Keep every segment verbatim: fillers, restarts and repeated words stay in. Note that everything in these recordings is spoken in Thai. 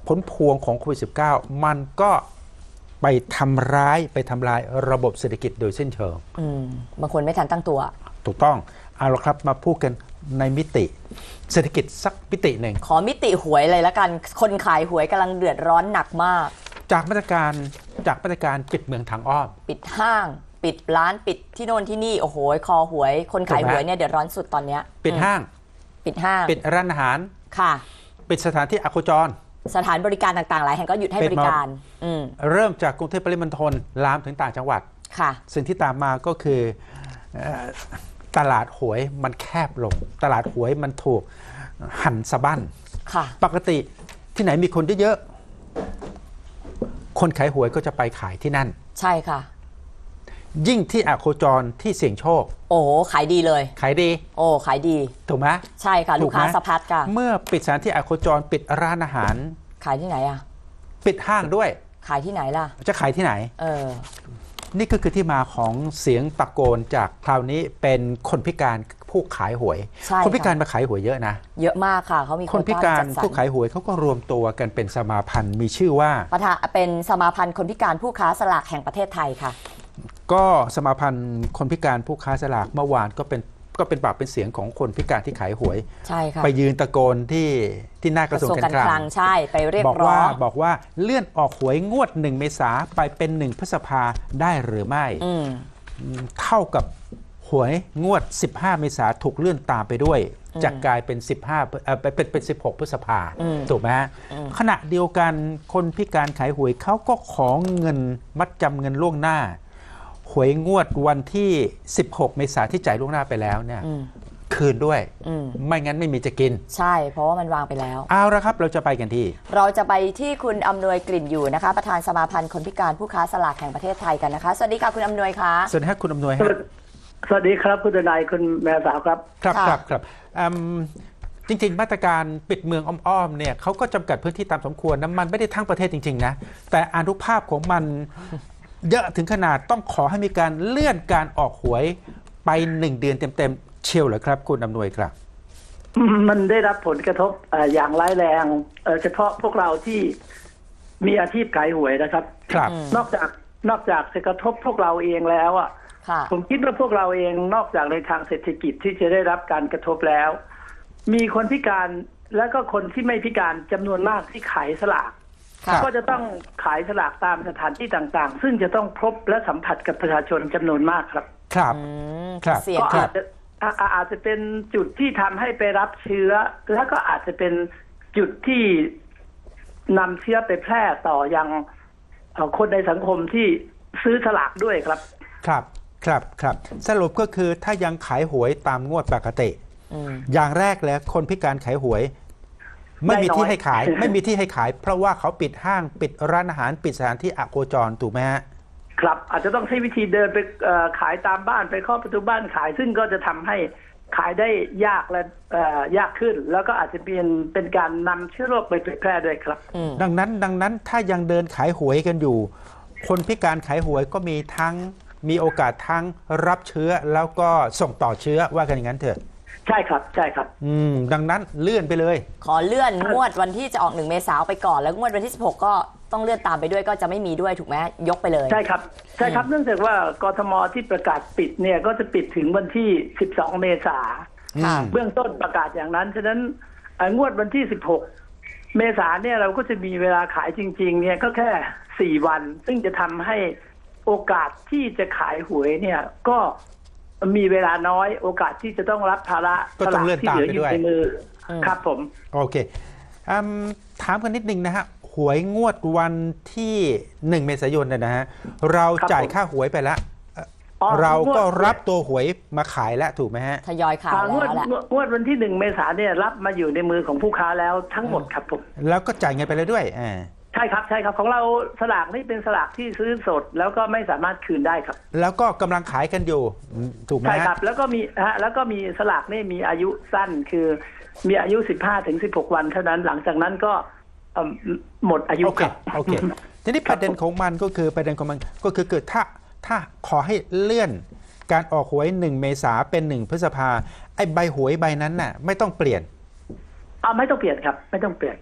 ผลพวงของโควิด สิบเก้า มันก็ไปทำร้ายไปทำลายระบบเศรษฐกิจโดยสิ้นเชิงอืมบางคนไม่ทันตั้งตัวถูกต้องเอาละครับมาพูดกันในมิติเศรษฐกิจสักมิติหนึ่งขอมิติหวยเลยละกันคนขายหวยกำลังเดือดร้อนหนักมากจากมาตรการจากมาตรการปิดเมืองทางอ้อมปิดห้างปิดร้านปิดที่โน่นที่นี่โอ้โหคอหวยคนขายหวยเนี่ยเดือดร้อนสุดตอนนี้ปิดห้างปิดห้างปิดร้านอาหารค่ะปิดสถานที่อโคจรสถานบริการต่างๆหลายแห่งก็หยุดให้บริการเริ่มจากกรุงเทพปริมณฑลลามถึงต่างจังหวัดค่ะสิ่งที่ตามมาก็คือตลาดหวยมันแคบลงตลาดหวยมันถูกหั่นสะบั้นปกติที่ไหนมีคนเยอะๆคนขายหวยก็จะไปขายที่นั่นใช่ค่ะยิ่งที่อโคจรที่เสี่ยงโชคโอ้ขายดีเลยขายดีโอ้ขายดีถูกไหมใช่ค่ะลูกค้าสะพัดค่ะเมื่อปิดสถานที่อโคจรปิดร้านอาหารขายที่ไหนอ่ะปิดห้างด้วยขายที่ไหนล่ะจะขายที่ไหนเออนี่ก็คือที่มาของเสียงตะโกนจากคราวนี้เป็นคนพิการผู้ขายหวยคนพิการมาขายหวยเยอะนะเยอะมากค่ะเขามีคนพิการผู้ขายหวยเขาก็รวมตัวกันเป็นสมาพันธ์มีชื่อว่าประธานเป็นสมาพันธ์คนพิการผู้ค้าสลากแห่งประเทศไทยค่ะก็สมาพันธ์คนพิการผู้ค้าสลากเมื่อวานก็เป็นก็เป็นปากเป็นเสียงของคนพิการที่ขายหวยใช่ค่ะไปยืนตะโกนที่ที่หน้ากระทรวงการคลังใช่ไปเรียกร้องบอกว่าเลื่อนออกหวยงวดหนึ่งเมษาไปเป็นหนึ่งพฤษภาได้หรือไม่เท่ากับหวยงวดสิบห้าเมษาถูกเลื่อนตามไปด้วยจะกลายเป็นสิบห้าเอ่อเป็นเป็นสิบหกพฤษภาถูกไหมฮะขณะเดียวกันคนพิการขายหวยเขาก็ขอเงินมัดจำเงินล่วงหน้าหวยงวดวันที่สิบหกเมษาที่จ่ายล่วงหน้าไปแล้วเนี่ยคืนด้วยไม่งั้นไม่มีจะกินใช่เพราะว่ามันวางไปแล้วเอาละครับเราจะไปกันที่เราจะไปที่คุณอำนวยกลิ่นอยู่นะคะประธานสมาพันธ์คนพิการผู้ค้าสลากแห่งประเทศไทยกันนะคะสวัสดีค่ะคุณอำนวยค่ะสวัสดีครับคุณอำนวยครับสวัสดีครับคุณทนายคุณแม่สาวครับครับครับครับจริงๆมาตรการปิดเมืองอ้อมๆเนี่ยเขาก็จำกัดพื้นที่ตามสมควรนะมันไม่ได้ทั้งประเทศจริงๆนะแต่อนุภาพของมันเยอะถึงขนาดต้องขอให้มีการเลื่อนการออกหวยไปหนึ่งเดือนเต็มๆเชียวเหรอครับคุณอำนวยครับมันได้รับผลกระทบอย่างร้ายแรงเฉพาะพวกเราที่มีอาชีพขายหวยนะครับครับนอกจากนอกจากจะกระทบพวกเราเองแล้วอ่ะผมคิดว่าพวกเราเองนอกจากในทางเศรษฐกิจที่จะได้รับการกระทบแล้วมีคนพิการและก็คนที่ไม่พิการจำนวนมากที่ขายสลากก็จะต้องขายสลากตามสถานที่ต่างๆซึ่งจะต้องพบและสัมผัสกับประชาชนจำนวนมากครับครับครับก็อาจจะอาจจะเป็นจุดที่ทำให้ไปรับเชื้อแล้วก็อาจจะเป็นจุดที่นำเชื้อไปแพร่ต่อยังคนในสังคมที่ซื้อสลากด้วยครับครับครับครับสรุปก็คือถ้ายังขายหวยตามงวดปกติอย่างแรกแล้วคนพิการขายหวยไม่มีที่ให้ขายไม่มีที่ให้ขายเพราะว่าเขาปิดห้างปิดร้านอาหารปิดสถานที่อโคจรถูกไหมฮะครับอาจจะต้องใช้วิธีเดินไปขายตามบ้านไปเคาะประตูบ้านขายซึ่งก็จะทำให้ขายได้ยากและยากขึ้นแล้วก็อาจจะเป็นเป็นการนำเชื้อโรคไปเผยแพร่ด้วยครับดังนั้นดังนั้นถ้ายังเดินขายหวยกันอยู่คนพิการขายหวยก็มีทั้งมีโอกาสทั้งรับเชื้อแล้วก็ส่งต่อเชื้อว่ากันอย่างนั้นเถอะใช่ครับใช่ครับอืมดังนั้นเลื่อนไปเลยขอเลื่อนงวดวันที่จะออกหนึ่งเมษายนไปก่อนแล้วงวดวันที่สิบหกก็ต้องเลื่อนตามไปด้วยก็จะไม่มีด้วยถูกไหมยกไปเลยใช่ครับใช่ครับเนื่องจากว่ากทมที่ประกาศปิดเนี่ยก็จะปิดถึงวันที่สิบสองเมษายนเบื้องต้นประกาศอย่างนั้นฉะนั้นงวดวันที่สิบหกเมษายนเนี่ยเราก็จะมีเวลาขายจริงๆเนี่ยก็แค่สี่วันซึ่งจะทำให้โอกาสที่จะขายหวยเนี่ยก็มีเวลาน้อยโอกาสที่จะต้องรับภาระก็ต้องเลื่อนตามไปด้วยในมือครับผมโอเคถามกันนิดนึงนะฮะหวยงวดวันที่หนึ่งเมษายนเนี่ยนะฮะเราจ่ายค่าหวยไปแล้วเราก็รับตัวหวยมาขายแล้วถูกไหมฮะทยอยขายแล้วแหละงวดวันที่หนึ่งเมษายนเนี่ยรับมาอยู่ในมือของผู้ค้าแล้วทั้งหมดครับผมแล้วก็จ่ายเงินไปเลยด้วยอ่าใช่ครับใช่ครับของเราสลากนี่เป็นสลากที่ซื้อสดแล้วก็ไม่สามารถคืนได้ครับแล้วก็กำลังขายกันอยู่ถูกไหมใช่ครับแล้วก็มีฮะแล้วก็มีสลากนี่มีอายุสั้นคือมีอายุ สิบห้าถึงสิบหก วันเท่านั้นหลังจากนั้นก็หมดอายุครับโอเคทีนี้ประเด็นของมันก็คือประเด็นของมันก็คือเกิดถ้าถ้าขอให้เลื่อนการออกหวยหนึ่งเมษาเป็นหนึ่งพฤษภาไอ้ใบหวยใบนั้นน่ะไม่ต้องเปลี่ยนอ่าไม่ต้องเปลี่ยนครับไม่ต้องเปลี่ยน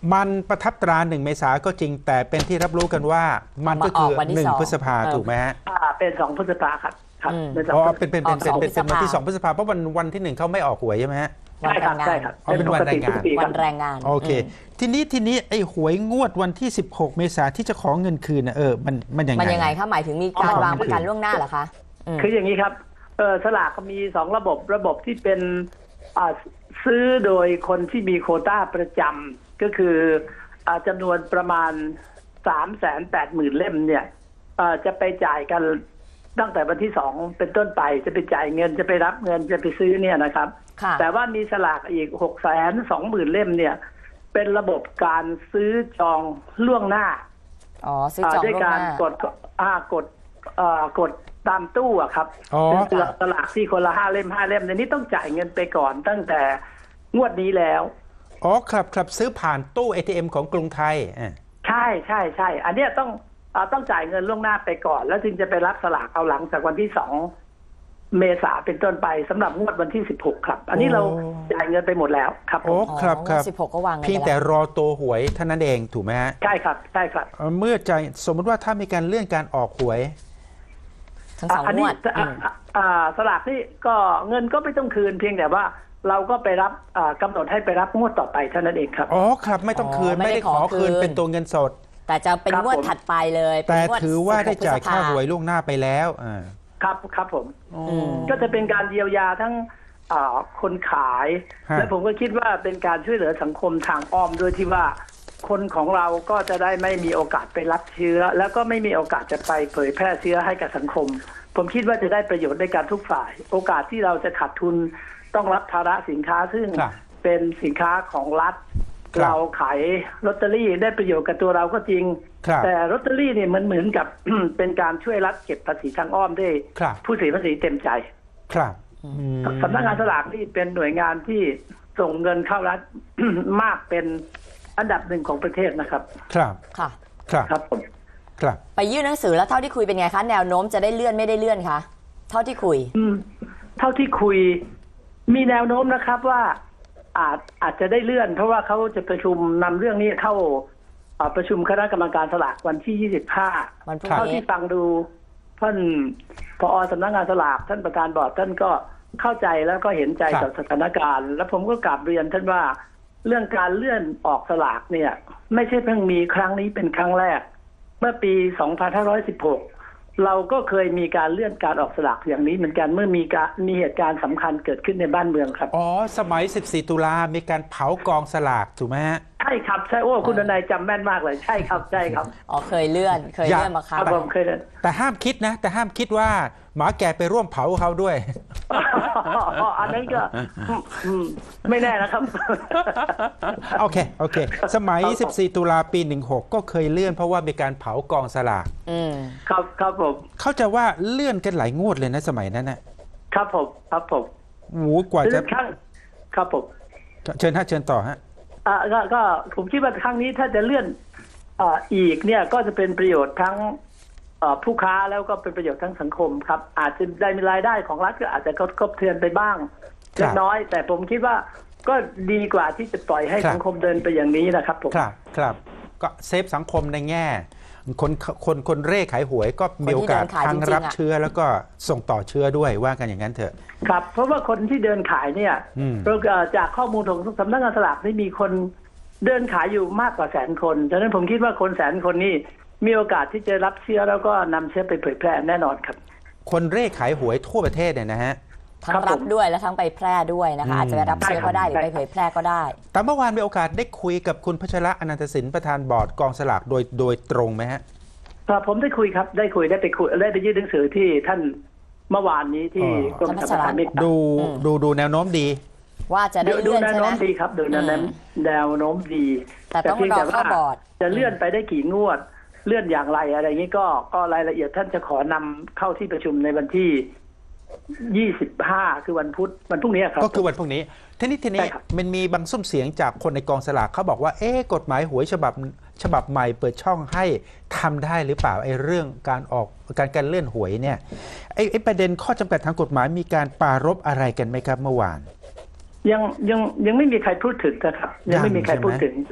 มันประทับตราหนึ่งเมษาก็จริงแต่เป็นที่รับรู้กันว่ามันก็คือมาออกวันที่หนึ่งสองพฤษภาเออถูกไหมฮะอ่าเป็นสองพฤษภาครับครับอืมเป็นสองอ๋อพฤษเป็นเป็นอเป็อน กเป็นเป็นสองเป็นวันที่พฤษภาสองพฤษภาเพราะวันวันที่หนึ่งเขาไม่ออกหวยใช่ไหมฮะวันใช่แรครับงงาใช่นครับอ๋อเป็นวันแรงงานปกติทุกปีควัรับนแรงงานโอเคมทีนี้ทีนี้ไอ้หวยงวดวันที่สิบหกเมษาที่จะขอเงินคืนนะเออมันมันยังไงมันยังไงคะหมายถึงมีการอ๋อวางประกันล่วงหน้าเหรอคะอืมคืออย่างนี้ครับเออสลากมีสองระบบระบบที่เป็นอ่าซื้อโดยคนที่มีโควต้าประจำก็คืออาจำนวนประมาณสามแสนแปดหมื่นเล่มเนี่ยเอ่อจะไปจ่ายกันตั้งแต่วันที่สองเป็นต้นไปจะไปจ่ายเงินจะไปรับเงินจะไปซื้อเนี่ยนะครับค่ะแต่ว่ามีสลากอีกหกแสนสองหมื่นเล่มเนี่ยเป็นระบบการซื้อจองล่วงหน้าอ๋อซื้อจองด้วยล่วงการหน้ากดอ่ากดเอ่อกดตามตู้อะครับอ๋อเป็นสลากที่คนละห้าเล่มห้าเล่มในนี้ต้องจ่ายเงินไปก่อนตั้งแต่งวดนี้แล้วอ๋อครับครับซื้อผ่านตู้ เอ ที เอ็ม ของกรุงไทยอ่ะใช่ใช่ใช่อันเนี้ยต้องอ่าต้องจ่ายเงินล่วงหน้าไปก่อน แล้วถึงจะไปรับสลากเอาหลังจากวันที่สองเมษาเป็นต้นไปสำหรับงวดวันที่สิบหกครับ อันนี้เราจ่ายเงินไปหมดแล้วครับผโอ้มครับครับสิบหกก็วางงินเพียงไปแต่แล้วรอตัวหวยเท่านั้นเองถูกไหมฮะใช่ครับใช่ครับเอ่อเมื่อใจสมมติว่าถ้ามีการเลื่อนการออกหวยทั้งสองอันงนี้วดอ่าอ่าอ่าสลากนี่ก็เงินก็ไม่ต้องคืนเพียงแต่ว่าเราก็ไปรับอ่ากำหนดให้ไปรับงวดต่อไปเท่านั้นเองครับอ๋อครับไม่ต้องคืนอ๋อไม่ไม่ได้ได้ขอขอคืคืนนเป็นตัวเงินสดแต่จะเป็นครับงวดผมถัดไปเลยเป็นแต่งวดถือว่าได้จ่ายสิบหกค่าพฤษภหวยล่วงหน้าไปแล้วอ่าครับครับผมอืมก็จะเป็นการเยียวยาทั้งอ่าคนขายฮะและผมก็คิดว่าเป็นการช่วยเหลือสังคมทางอ้อมด้วยที่ว่าคนของเราก็จะได้ไม่มีโอกาสไปรับเชื้อ แล้วก็ไม่มีโอกาสจะไปเผยแพร่เชื้อให้กับสังคม ผมคิดว่าจะได้ประโยชน์ในการทุกฝ่าย โอกาสที่เราจะขาดทุนต้องรับภาระสินค้าซึ่งครับเป็นสินค้าของรัฐครับเราขายลอตเตอรี่ได้ประโยชน์กับตัวเราก็จริงครับแต่ลอตเตอรี่เนี่ยมันเหมือนกับ เป็นการช่วยรัฐเก็บภาษีทางอ้อมได้ครับผู้เสียภาษีเต็มใจครับอืมสำนักงานสลากนี่เป็นหน่วยงานที่ส่งเงินเข้ารัฐ มากเป็นอันดับหนึ่งของประเทศนะครับครับค่ะครับครับผมครับไปยื่นหนังสือแล้วเท่าที่คุยเป็นไงคะแนวโน้มจะได้เลื่อนไม่ได้เลื่อนคะเท่าที่คุยอืมเท่าที่คุยมีแนวโน้มนะครับว่าอาจอาจจะได้เลื่อน เพราะว่าเขาจะประชุมนำเรื่องนี้เข้าอ่าประชุมคณะกรรมการสลากวันที่ยี่สิบห้าวันพรุ่งเท่านี้ที่ฟังดูท่านผอสำนักงานสลากท่านประธานบอร์ดท่านก็เข้าใจแล้วก็เห็นใจครักับบ สถานการณ์ แล้วผมก็กราบเรียนท่านว่าเรื่องการเลื่อนออกสลากเนี่ย ไม่ใช่เพิ่งมีครั้งนี้เป็นครั้งแรก เมื่อปี สองพันห้าร้อยสิบหก เราก็เคยมีการเลื่อนการออกสลากอย่างนี้เหมือนกันเมื่อมีการมีเหตุการณ์สำคัญเกิดขึ้นในบ้านเมืองครับอ๋อสมัยสิบสี่ตุลามีการเผากองสลากถูกไหมฮะใช่ครับใช่โอ้คุณนายจำแม่นมากเลยใช่ครับใช่ครับอ๋อเคยเลื่อนเคยอยากเลื่อนมาครั้คงรับผมเคยเลื่อนแต่ห้ามคิดนะ แต่ห้ามคิดว่าหมาแก่ไปร่วมเผาเขาด้วยอันนั้นก็อืมไม่แน่นะครับโอเค โอเค สมัยครับผมสิบสี่ตุลาปีหนึ่งหกก็เคยเลื่อนเพราะว่ามีการเผากองสลากอืมครับครับผมเข้าใจว่าเลื่อนกันหลายงวดเลยนะสมัยนั้นนะครับผมครับผมโอ้โหกว่าจะครั้งครับผมเชิญฮะเชิญต่อฮะอ่าก็ก็ผมคิดว่าครั้งนี้ถ้าจะเลื่อนอ่าอีกเนี่ยก็จะเป็นประโยชน์ทั้งเอ่อผู้ค้าแล้วก็เป็นประโยชน์ทั้งสังคมครับ อาจจะได้มีรายได้ของรัฐก็อาจจะกระทบเทือนไปบ้างครับเล็กน้อย แต่ผมคิดว่าก็ดีกว่าที่จะปล่อยให้ครับสังคมเดินไปอย่างนี้นะครับผมครับครับก็เซฟสังคมในแง่ คนคนคนเร่ขายหวยก็มีโอกาสคนที่เดินขายทั้งจริงๆรับอะเชื้อแล้วก็ส่งต่อเชื้อด้วยว่ากันอย่างนั้นเถอะครับ เพราะว่าคนที่เดินขายเนี่ยอืมเราเอ่อจากข้อมูลของสำนักงานสลากนี่มีคนเดินขายอยู่มากกว่าแสนคนฉะนั้นผมคิดว่าคนแสนคนนี้มีโอกาสที่จะรับเชื้อแล้วก็นำเชื้อไปเผยแพร่แน่นอนครับคนเร่ขายหวยทั่วประเทศเนี่ยนะฮะทั้งครับรัผบมด้วยและทั้งไปแพร่ด้วยนะคะอืมอาจจะไปรับเชื้อก็ได้หรือไปเผยแพร่ก็ได้แต่เมื่อวานมีโอกาสได้คุยกับคุณพัชระอนันตสินประธานบอร์ดกองสลากโดยโดยตรงไหมฮะครับผมได้คุยครับได้คุยได้ไปคุยได้ไปยื่นหนังสือที่ท่านเมื่อวานนี้ที่อ๋อกรมสรรพสามิตดูอืมดูดูแนวโน้มดีว่าจะได้ดูเลื่อนแนวใช่ไหโน้มมดีครับดูแนวโน้มอืมแนวโน้มดีแต่ต้องเพียงรอแต่ว่าเข้าบอร์ดจะเลื่อนไปได้กี่งวด เลื่อนอย่างไรอะไรอย่างนี้ก็ก็รายละเอียดท่านจะขอนำเข้าที่ประชุมในวันที่ยี่สิบห้าคือวันพุธวันพรุ่งนี้ครับก็คือวันพรุ่งนี้ ทีนี้ทีนี้ใช่ครับมันมีบางซุ้มเสียงจากคนในกองสลากเขาบอกว่า เอ๊ะกฎหมายหวยฉบับฉบับใหม่เปิดช่องให้ทำได้หรือเปล่าไอ้เรื่องการออกการการเลื่อนหวยเนี่ยไอ้ไอ้ประเด็นข้อจำกัดทางกฎหมายมีการปรารภอะไรกันไหมครับเมื่อวานยังยังยังไม่มีใครพูดถึงนะครับ ยังไม่มีใครยังใช่ไหมพูดถึงครับผม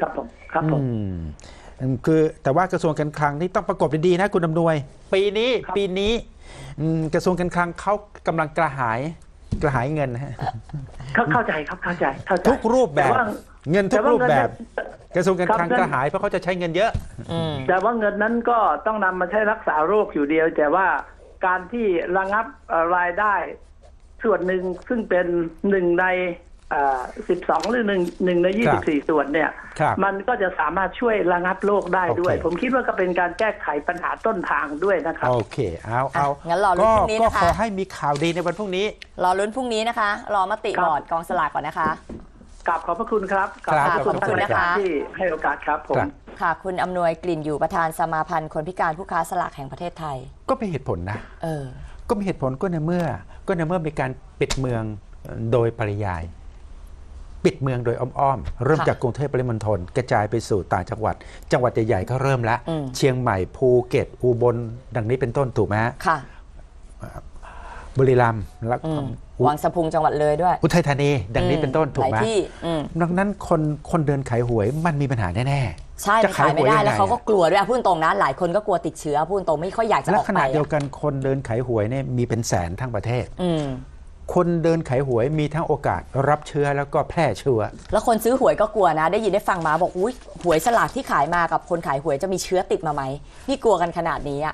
ครับผมอืมคือแต่ว่ากระทรวงการคลังนี่ต้องประกบดีๆนะคุณอำนวย ปีนี้ครับปีนี้อืมกระทรวงการคลังเขากำลังกระหายกระหายเงินนะฮะเข้าเข้าใจครับเข้าใจเข้าใจทุกรูปแบบต่ว่าเงินทุกรูปแบบ กระทรวงการครับคลังนั่นกระหายเพราะเขาจะใช้เงินเยอะอืมแต่ว่าเงินนั้นก็ต้องนำมาใช้รักษาโรคอยู่เดียว แต่ว่าการที่ระงับเอ่อรายได้ส่วนหนึ่งซึ่งเป็นหนึ่งในสิบสองหรือหนึ่งหนึ่งในยี่ครัสิบบสี่ส่วนเนี่ยครับมันก็จะสามารถช่วยระงับโรคได้ด้วยโอเคผมคิดว่าก็เป็นการแก้ไขปัญหาต้นทางด้วยนะครับโอเค เอาเอาอ่ะงั้นรอลุ้นพรุ่งนี้ก็นะคะขอให้มีข่าวดีในวันพรุ่งนี้รอลุ้นพรุ่งนี้นะคะ รอมติครับบอร์ดกองสลากก่อนนะคะกราบขอบพระคุณครับครับขอบขอบคุณนะคะที่ให้โอกาสครับผมครับค่ะ คุณอำนวยกลิ่นอยู่ประธานสมาพันธ์คนพิการผู้ค้าสลากแห่งประเทศไทยก็มีเหตุผลนะเออก็มีเหตุผลก็ในเมื่อ ก็ในเมื่อมีการปิดเมืองโดยปริยาย ปิดเมืองโดยอ้อมๆเริ่มค่ะจากกรุงเทพปริมณฑลกระจายไปสู่ต่างจังหวัด จังหวัดใหญ่ๆก็เริ่มแล้วอืมเชียงใหม่ภูเก็ตอุบลดังนี้เป็นต้นถูกไหมฮะค่ะบุรีรัมย์แล้วอืมอุวังสะพุงจังหวัดเลยด้วยอุทัยธานีดังนี้เป็นต้นถูกไหมลายที่อืมดังนั้นคนคนเดินขายหวยมันมีปัญหาแน่ๆใช่จะมันขายไม่ได้หแล้วเขาก็ยังงกลัวด้วยอ่ะพูดตรงนะหลายคนก็กลัวติดเชื้อพูดตรงไม่ค่อยอยากจะและออกขไปณะเดียวอ่ะกันคนเดินขายหวยเนี่ยมีเป็นแสนทั้งประเทศอืมคนเดินขายหวยมีทั้งโอกาสรับเชื้อแล้วก็แพร่เชื้อแล้วคนซื้อหวยก็กลัวนะ ได้ยินได้ฟังมาบอกอุ้ยหวยสลากที่ขายมากับคนขายหวยจะมีเชื้อติดมาไหมนี่กลัวกันขนาดนี้อ่ะ